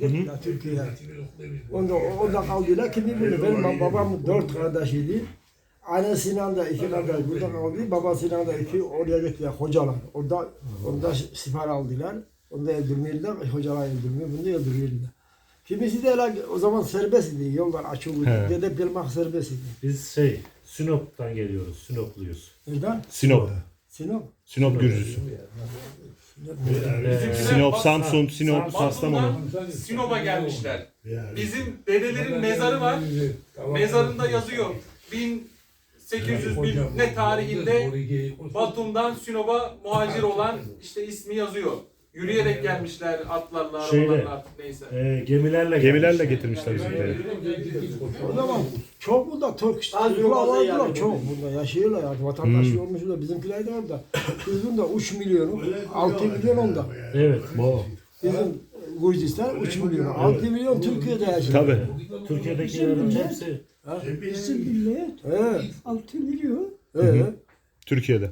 Gittiler Türkiye'ye. Onda kaldılar. Kimi bilir? Benim babam 4 kardeşiydi. Annesiyle de 2 kardeş burada kaldı. Babasıyla da 2 oraya gittiler. Hocalar. Orada siper aldılar. Onda öldürmüyorlar. Hocalar öldürmüyor. Bunu da öldürüyorlar. Kimisi de öyle o zaman serbest idi. Yollar açıldı. Dedep gelmek serbest idi. Biz Sinop'tan geliyoruz. Sinopluyuz. Nereden? Sinop. Sinop. Sinop Gürcüsü. Sinop, Samsun, Sinop, Kastamonu. Sinop'a gelmişler. Bizim dedelerin mezarı var. Mezarında yazıyor. 1800 ne tarihinde Batum'dan Sinop'a muhacir olan işte ismi yazıyor. Yürüyerek gelmişler atlarla, arabalarla artık neyse. Gemilerle getirmişler bizimkileri. O zaman çok burada Türk çocuklar vardılar çok burada yaşıyorlar ya vatandaş olmuşlar bizimkiler de orada. Bizim de 3 milyonu 6 milyon onda. Evet. Bizim Gürcistan 3 milyon 6 milyon Türkiye'de yaşıyor. Tabii. Türkiye'dekilerin hepsi Bizim millet Evet. 6 milyon. Evet. Türkiye'de.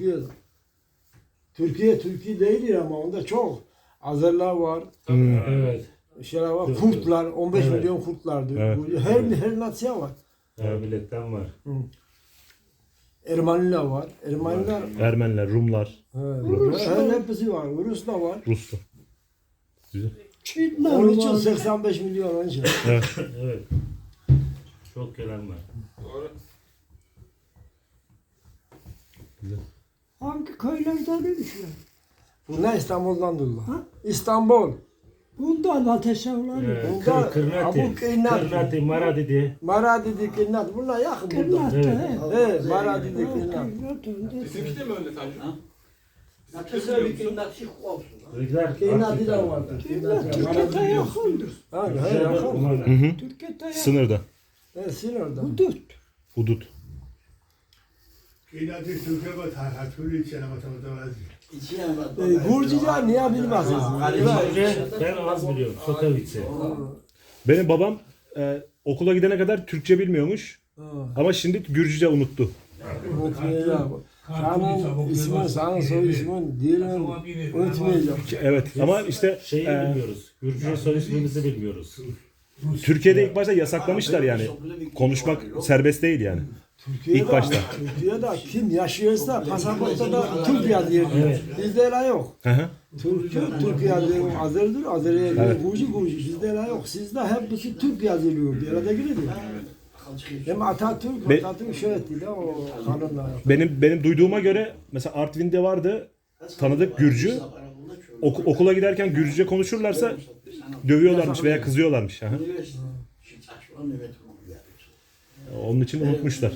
Türkiye değil ama onda çok. Azerler var, evet. şeyler var, Kurtlar, 15 milyon Kurtlardır. Evet. Her nasya var. Her milletten var. Ermeniler var. Ermeniler, Rumlar, Hepsi var. Ruslar var. Ruslu. Güzel. Çinler Onun için var. 85 milyon onun için. Evet. Evet. Çok gelen var. Doğru. Hangi köylerden ölmüşler? Bunlar İstanbul'dan durdular. Ha? İstanbul. Bundan ateşe ulan. Bunlar Kırnati, Abu Keynat. Kırnati, Maradi. Maradidi Keynat. Bunlar yakın buradan. Kırnattı he. Evet, Maradidi Keynat. Bizimki de mi öyle Tanju? Keynat'ı da vardı. Türkiye'de yakındır. Ha, he, yakın. Türkiye'de yakın. Sınırda. Evet, Sinir'de. Hudut. Hudut. Gürcüce niye bilmezsiniz? Ben az biliyorum. Sotovice. Benim babam okula gidene kadar Türkçe bilmiyormuş. Ama şimdi Gürcüce unuttu. Unutmayacağım. Senin ismin, senin soy ismin, dilin unutmayacağım. Evet ama işte Şeyi bilmiyoruz. Gürcü soy ismimizi bilmiyoruz. Türkiye'de ilk başta yasaklamışlar yani. Konuşmak serbest değil yani. İlk başta. Türkiye'de kim yaşıyorsa pasaportta da Türk yazıyor. Bizde öyle yok. Hı hı. Türk yazıyor. Azer'dir, Azer'e yazıyor. Gürcü. Bizde öyle yok. Sizde hepsi Türk yazılıyor. Bir arada giriyor. Hem Atatürk şöyle etti de o kanunla. Benim duyduğuma göre mesela Artvin'de vardı tanıdık Gürcü. Okula giderken Gürcüce konuşurlarsa dövüyorlarmış veya kızıyorlarmış. Hı hı. Onun için unutmuşlar.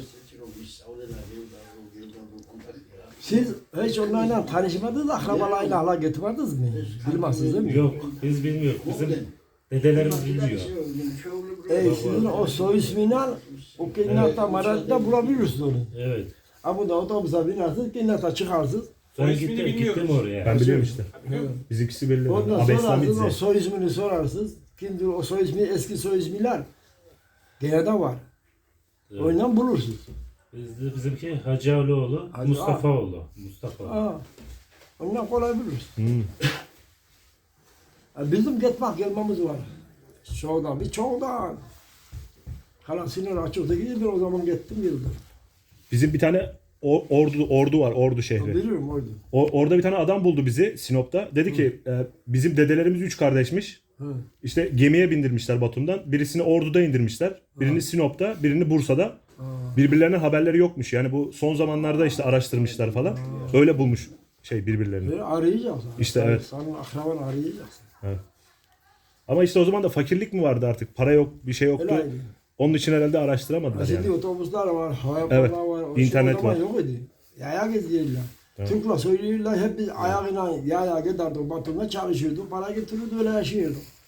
Siz hiç onlarla tanışmadınız, akrabalarıyla hala getirmediniz mi? Bilmezsiniz değil mi? Yok. Biz bilmiyoruz. Bizim dedelerimiz bilmiyor. Sizin o soy ismini al, o Keynat'ta Marad'da bulabilirsiniz onu. Evet. Ama da otobüse binersiniz, Keynat'a çıkarsınız. Ben ismini gittim bilmiyoruz. oraya. Ben biliyorum işte. Bizimkisi belli. Ondan Abeslamidze. sorarsınız, o soy ismini sorarsınız. Kimdir o soy ismi, eski soy ismiler. Gene de var. Evet. Ondan bulursunuz. Bizimki Hacıoğlu, Hacı- Mustafaoğlu. Mustafa. Ondan kolay bulursunuz. Bizim gitmek gelmemiz var. Çoğdan. Hala sinir açıkta gidiyor, o zaman gittim geldim. Bizim bir tane ordu var, Ordu şehri. Biliyorum orada. Orada bir tane adam buldu bizi Sinop'ta. Dedi ki bizim dedelerimiz 3 kardeşmiş. İşte gemiye bindirmişler Batum'dan. Birisini Ordu'da indirmişler. Birini Sinop'ta, birini Bursa'da. Birbirlerine haberleri yokmuş. Yani bu son zamanlarda işte araştırmışlar falan. Öyle bulmuş birbirlerini. Arayacaksın. İşte evet. Senin akrabanı arayacaksın. Ama işte o zaman da fakirlik mi vardı artık? Para yok, bir şey yoktu. Öyleydi. Onun için herhalde araştıramadılar Şimdi yani. otobüsler var, hava Evet, var. internet o zaman var. yok idi. Yaya geziyorlar. Türkler söylüyorlar, hep biz ayağıyla yaya giderdik, Batum'da çalışıyorduk, para getirirdi, öyle yaşıyorduk.